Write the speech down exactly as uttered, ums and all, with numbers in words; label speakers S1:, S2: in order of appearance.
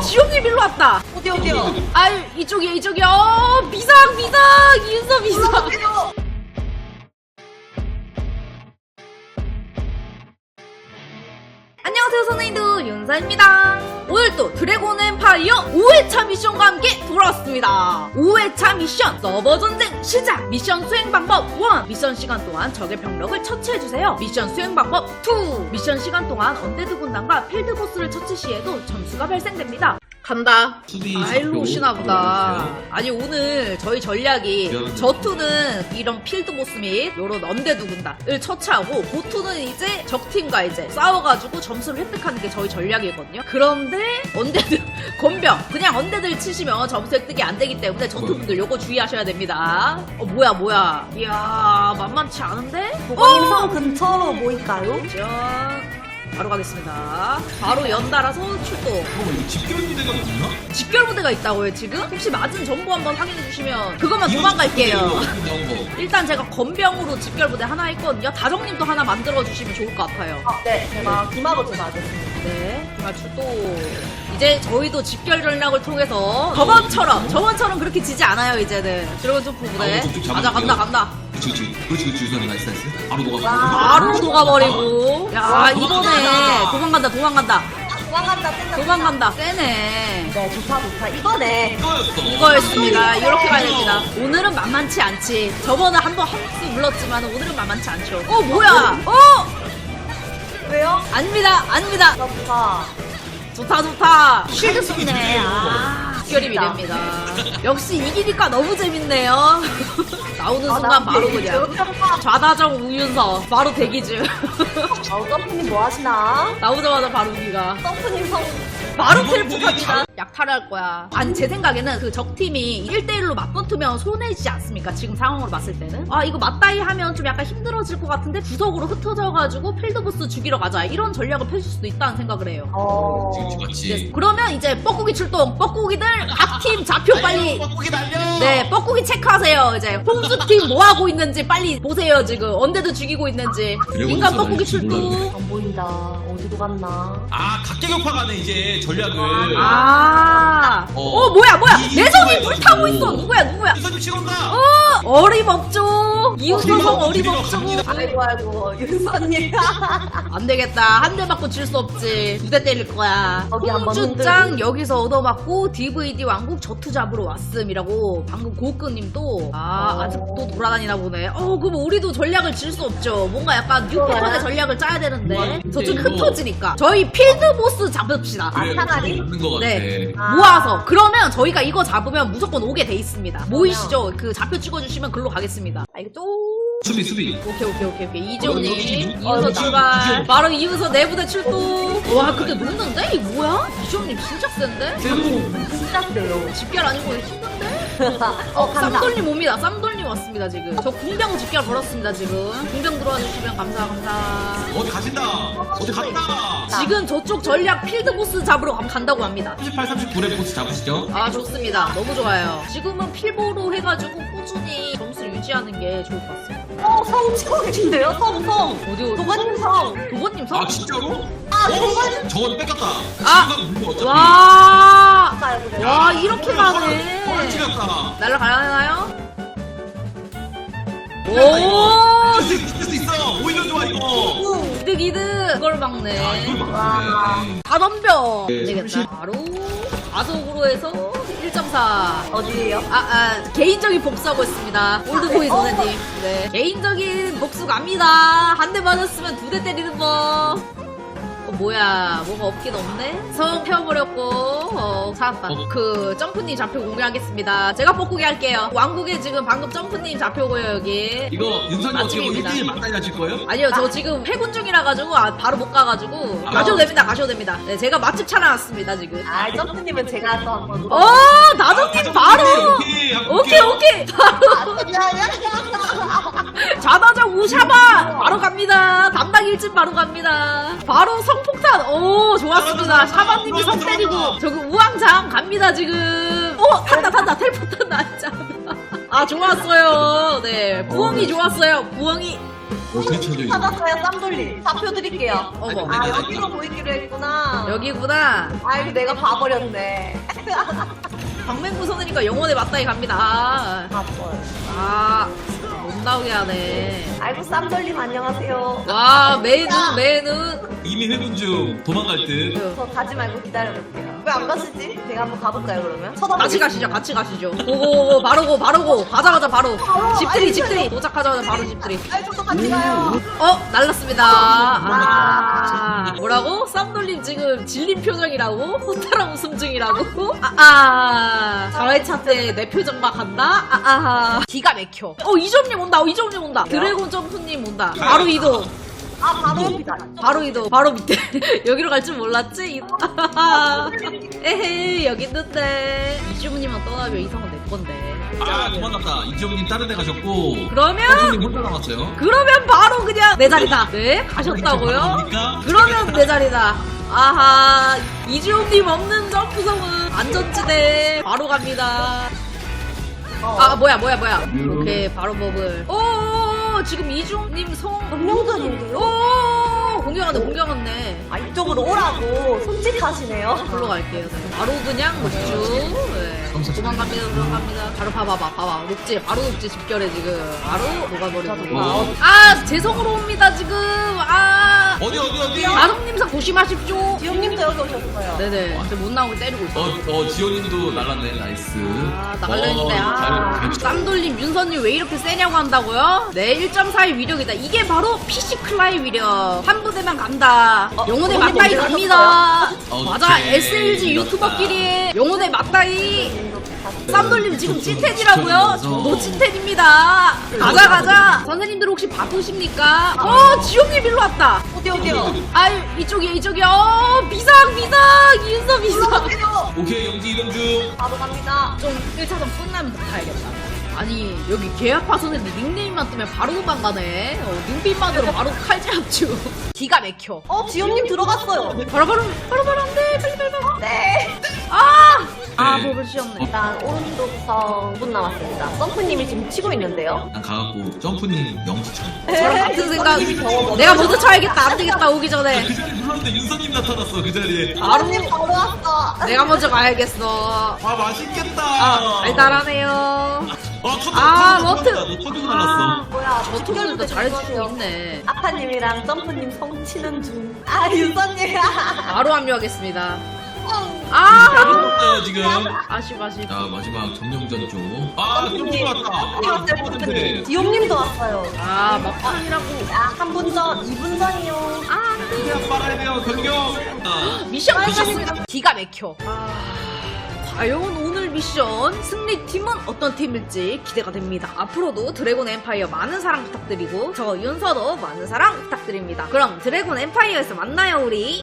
S1: 지용님 일로 왔다.
S2: 어디 어디요?
S1: 아유 이쪽이야 이쪽이야. 어 비상 비상 이윤서 비상. 안녕하세요 선생님들 윤서입니다. 오늘 또 드래곤 엠파이어 오 회차 미션과 함께 돌아왔습니다. 오 회차 미션 서버 전쟁 시작. 미션 수행 방법 일. 미션 시간 동안 적의 병력을 처치해주세요. 미션 수행 방법 이. 미션 시간 동안 언데드 군단과 필드 보스를 처치 시에도 점수가 발생됩니다. 간다. 아 일로 오시나 보다. 아니 오늘 저희 전략이 저투는 이런 필드 보스 및 요런 언데드 군단을 처치하고 보투는 이제 적팀과 이제 싸워가지고 점수를 획득하는 게 저희 전략이거든요. 그런데 언데드 건병 그냥 언데드를 치시면 점수 획득이 안 되기 때문에 저투분들 요거 주의하셔야 됩니다. 어 뭐야 뭐야. 이야 만만치 않은데?
S2: 보건님 성 근처로 모일까요?
S1: 짠. 바로 가겠습니다. 바로 연달아서 출동.
S3: 어, 이거 집결 부대가 있나?
S1: 집결 부대가 있다고요 지금? 혹시 맞은 정보 한번 확인해 주시면 그것만 도망갈게요. 일단 제가 건병으로 집결 부대 하나 했거든요. 다정님도 하나 만들어 주시면 좋을 것 같아요.
S2: 아, 네, 제가 기마로 제가 하겠습니다.
S1: 네, 기마 출동. 이제 저희도 집결 전략을 통해서 저번처럼 저번처럼 그렇게 지지 않아요 이제는. 드래곤 점프 부대. 가자 간다 간다.
S3: 그치 그치 그렇지 그렇지 유선이 나이스 나이스 바로 녹아버리고
S1: 바로 녹아버리고. 야 이번에 도망간다 도망간다.
S2: 도망간다, 뜬다.
S1: 도망간다. 세네.
S2: 네, 좋다, 좋다. 이거네.
S3: 이거였어
S1: 이거였습니다. 이렇게 가야 됩니다. 오늘은 만만치 않지. 저번에 한번 헛수 물렀지만 오늘은 만만치 않죠. 어 뭐야? 어
S2: 왜요?
S1: 아닙니다 아닙니다.
S2: 좋다.
S1: 좋다 좋다. 쉴드 쏘네. 아 결입이 됩니다. 역시 이기니까 너무 재밌네요. 나오는 순간 바로 그냥 좌다정 우윤서 바로 대기 중.
S2: 어, 점프님 뭐 하시나?
S1: 나오자마자 바로 우기가
S2: 점프님 성.
S1: 바로 텔포합니다. 약탈을 할 거야. 아니 제 생각에는 그 적팀이 일 대 일로 맞붙으면 손해지지 않습니까? 지금 상황으로 봤을 때는. 아 이거 맞다이 하면 좀 약간 힘들어질 것 같은데 구석으로 흩어져가지고 필드보스 죽이러 가자. 이런 전략을 펼칠 수도 있다는 생각을 해요.
S2: 어.
S3: 지금 죽었지
S1: 그러면 이제 뻐꾸기 출동. 뻐꾸기들 각 팀 좌표 빨리.
S3: 뻐꾸기 날려
S1: 네 뻐꾸기 체크하세요. 이제 홍수팀 뭐하고 있는지 빨리 보세요. 지금 언데드 죽이고 있는지. 인간 뻐꾸기 출동.
S2: 안 보인다. 어디로 갔나?
S3: 아 각계격파 가네 이제 전략을
S1: 아, 어,
S3: 어.
S1: 뭐야, 뭐야.
S3: 이-
S1: 내 손이
S3: 이거예요,
S1: 불타고
S3: 이거.
S1: 있어. 누구야, 누구야.
S3: 유선님 치곤다
S1: 어, 어림없죠. 이웃소성 어림없죠.
S2: 아이고, 아이고, 윤서님.
S1: 안 되겠다. 한 대 맞고 질 수 없지. 두 대 때릴 거야.
S2: 거기 한번
S1: 홍주짱 여기서 얻어맞고 디브이디 왕국 저투 잡으러 왔음이라고 방금 고끄님도 아
S2: 어.
S1: 아직도 돌아다니나 보네. 어 그럼 우리도 전략을 질 수 없죠. 뭔가 약간 뉴패턴의 전략을 짜야 되는데 저쪽 흩어지니까 저희 필드보스 잡읍시다.
S2: 아, 차라리?
S3: 없는 것 같아
S1: 네.
S2: 아.
S1: 모아서 그러면 저희가 이거 잡으면 무조건 오게 돼 있습니다. 모이시죠? 그 좌표 찍어주시면 글로 가겠습니다. 알겠죠?
S3: 수비 수비
S1: 오케이 오케이 오케이 오케이
S3: 어,
S1: 이재훈님
S3: 여기
S1: 이윤서
S3: 여기
S1: 출발.
S3: 이재훈.
S1: 바로 이윤서 내부대 출동. 와 근데 녹는데? 이 뭐야? 이재훈님 진짜 센데?
S2: 진짜 세요.
S1: 집결 아니고 힘든데?
S2: 어, 간다.
S1: 쌈돌님 옵니다. 쌈돌님 왔습니다 지금. 저 궁병 집결 걸었습니다 지금. 궁병 들어와 주시면 감사 감사.
S3: 어디 가신다 어디 간다
S1: 지금 저쪽 전략 필드보스 잡으러 감- 간다고 합니다.
S3: 삼십팔, 삼십구의 보스 잡으시죠
S1: 아 좋습니다. 너무 좋아요. 지금은 필보로 해가지고 꾸준히 점수를 유지하는 게 좋을 것 같습니다.
S2: 어, 성 치고 계신데요? 성, 성.
S1: 어디 어디?
S2: 도건님 성.
S1: 도건님 성?
S3: 아 진짜로?
S2: 아,
S3: 어?
S2: 도건님
S3: 저건 뺏겼다
S1: 아!
S3: 지금 물고 어차피
S1: 와,
S2: 가요, 그래요.
S1: 와 이렇게
S3: 헐
S1: 가네.
S3: 튀겼다
S1: 날라가나요?
S3: 오!
S1: 오,
S3: 이길 수, 이길 수 있어! 오히려 좋아 이거!
S1: 이득 이득. 이걸
S3: 아
S1: 막네.
S3: 이걸
S2: 와.
S3: 막네
S1: 다 덤벼.
S3: 네,
S1: 되겠다. 바로 가속으로 해서 일 점 사.
S2: 어디에요?
S1: 아, 아, 개인적인 복수하고 있습니다. 올드보이
S2: 어.
S1: 선생님. 네. 개인적인 복수 갑니다. 한 대 맞았으면 두 대 때리는 법. 어, 뭐야. 뭐가 없긴 없네? 성 태워버렸고, 어, 살았다.
S3: 어.
S1: 그, 점프님 좌표 공개하겠습니다. 제가 뻐꾸기 할게요. 왕국에 지금 방금 점프님 좌표고요, 여기.
S3: 이거 윤선이 어떻게
S1: 맛집입니다.
S3: 일 대 일 맞다이 하실 거예요?
S1: 아니요, 저 지금 회군 중이라가지고, 아, 바로 못 가가지고.
S3: 아.
S1: 가셔도 됩니다, 가셔도 됩니다. 네, 제가 맛집 차려놨습니다, 지금.
S2: 아, 점프님은 제가 또 한번.
S1: 어, 나정님 바로!
S3: 오케이
S1: 오케이, 오케이! 바로! 좌다정 우샤바 바로 갑니다. 담당 일진 바로 갑니다. 바로 성폭탄. 오 좋았습니다. 샤바님이 성 때리고 저기 우왕장 갑니다 지금. 오 탄다 탄다 텔포 탄다. 아 좋았어요. 네 부엉이 좋았어요. 부엉이
S3: 어떻게 찾아 이거?
S2: 찾았어요, 쌈돌림. 좌표 드릴게요.
S1: 어머.
S2: 아, 여기로 보이기로 했구나.
S1: 여기구나.
S2: 아이고, 내가 봐버렸네.
S1: 방맹구 선으니까 영혼의 맞다이 갑니다.
S2: 바빠요.
S1: 아, 못 나오게 하네.
S2: 아이고, 쌈돌림 안녕하세요.
S1: 와, 매는, 매는.
S3: 이미 회군 중 도망갈 듯.
S2: 저 가지 말고 기다려볼게요. 왜 안 가시지? 제가 한번 가볼까요, 그러면? 쳐다보고
S1: 같이 가시죠, 같이 가시죠. 고고고, 바로고, 바로고. 가자마자 바로. 집들이, 집들이. 도착하자마자 바로 집들이.
S2: 아이, 저도 같이 가요.
S1: 어, 날랐습니다. 아, 뭐라고? 쌈돌림 지금 질린 표정이라고? 호탈한 웃음 중이라고? 아, 아. 사 회차 때 내 표정 막 한다? 아, 아. 기가 막혀. 어, 이점님 온다, 어, 이점님 온다. 드래곤 점프님 온다. 바로 이동.
S2: 아, 바로 옆이다.
S1: 바로 이동. 바로 밑에. 여기로 갈 줄 몰랐지? 에헤이, 여기 있는데. 이주부님만 떠나면 이상은 내 건데.
S3: 아 도망갔다. 이지호님 다른 데 가셨고.
S1: 그러면,
S3: 선생님 혼자 남았어요.
S1: 그러면 바로 그냥 내 자리다. 네? 가셨다고요?
S3: 갑니까?
S1: 그러면 내 자리다. 아하, 이주호님 없는 점프성은 안전지대. 바로 갑니다.
S2: 어.
S1: 아, 뭐야, 뭐야, 뭐야. 오케이, 바로 버블. 오, 지금 이주호님 성.
S2: 운명전인데요?
S1: 오, 공격하네, 공격하네.
S2: 아, 이쪽으로 오라고 손짓하시네요.
S1: 걸로 갈게요. 네. 바로 그냥 녹주. 네. 도망갑니다, 도망갑니다. 바로 봐봐봐, 봐봐. 녹지, 바로 녹지 집결해, 지금. 바로 녹아버리고.
S3: 어.
S1: 아, 재성으로 옵니다, 지금. 아.
S3: 어디 어디 어디?
S1: 아동님상 조심하십시오.
S2: 지용님도 여기 오셨어요.
S1: 네네. 근데 못 나오게 때리고 있어.
S3: 어, 어 지호님도 날랐네. 나이스.
S1: 아, 나갈려있는데.
S3: 어,
S1: 아.
S3: 잘-
S1: 쌈돌림, 윤선님 왜 이렇게 세냐고 한다고요? 네, 일 점 사의 위력이다. 이게 바로 피씨 클라이 위력. 한 부대만 간다.
S2: 어,
S1: 영혼의
S2: 언니
S1: 맞다이
S2: 먼저
S1: 갑니다.
S3: 오케이.
S1: 맞아, 에스엘지
S3: 이겼다.
S1: 유튜버끼리 영혼의 맞다이. 쌈돌림 지금 찐텐이라고요?
S3: 지켜주면서.
S1: 저도 찐텐입니다. 가자, 가자. 선생님들 혹시 바쁘십니까? 어, 지용님 일로 왔다.
S2: 어디, 어디요?
S1: 아유, 이쪽이요, 이쪽이요. 어, 비상, 비상. 이윤서 비상.
S2: 올라가세요.
S3: 오케이 영지 이동 중.
S2: 바로 갑니다.
S1: 좀 일 차선 끝나면 더 가야겠다. 아니, 여기 계약파 선생님 닉네임만 뜨면 바로 도망가네. 어, 눈빛만으로 바로 칼질합주. 기가 막혀.
S2: 어, 지용님 들어갔어요.
S1: 바로, 바로, 바로, 바로 안 돼. 빨리, 빨리, 빨리.
S2: 네.
S1: 아! 아,
S3: 네.
S1: 버블 씌었네.
S2: 일단 오른쪽부터 오 분 남았습니다. 썸프님이 지금 치고 있는데요.
S3: 난 가갖고 점프님 영지천.
S1: 저랑 같은 생각.
S2: 썸프님이 더
S1: 내가 먼저 쳐야겠다. 안 되겠다. 오기 전에.
S3: 그 자리에 불렀는데 윤서님 나타났어 그 자리에.
S1: 바로
S2: 썸프님 바로 왔어.
S1: 내가 먼저 가야겠어.
S3: 아 맛있겠다.
S1: 아, 달달하네요.
S3: 어 터져.
S1: 아,
S3: 터져,
S1: 머트.
S3: 터져, 터져 날랐어.
S2: 뭐야,
S1: 저 토끼도 잘해주고 있네.
S2: 아파님이랑 점프님 성치는 중. 아, 윤서님.
S1: 바로 합류하겠습니다.
S3: 잘
S1: 아!
S3: 붙었어요 지금.
S1: 아쉽, 아쉽.
S3: 자 마지막 점령전 쪽. 아 점프 왔다.
S2: 네. 디옴님도 왔어요.
S1: 아, 막판이라고.
S2: 아, 한 분 전, 이 분 전이요.
S1: 아,
S3: 그냥 빨아야 돼요 변경. 아,
S1: 미션 끝났습니다. 기가 막혀. 아, 과연 오늘 미션 승리팀은 어떤 팀일지 기대가 됩니다. 앞으로도 드래곤 엠파이어 많은 사랑 부탁드리고 저 윤서도 많은 사랑 부탁드립니다. 그럼 드래곤 엠파이어에서 만나요, 우리.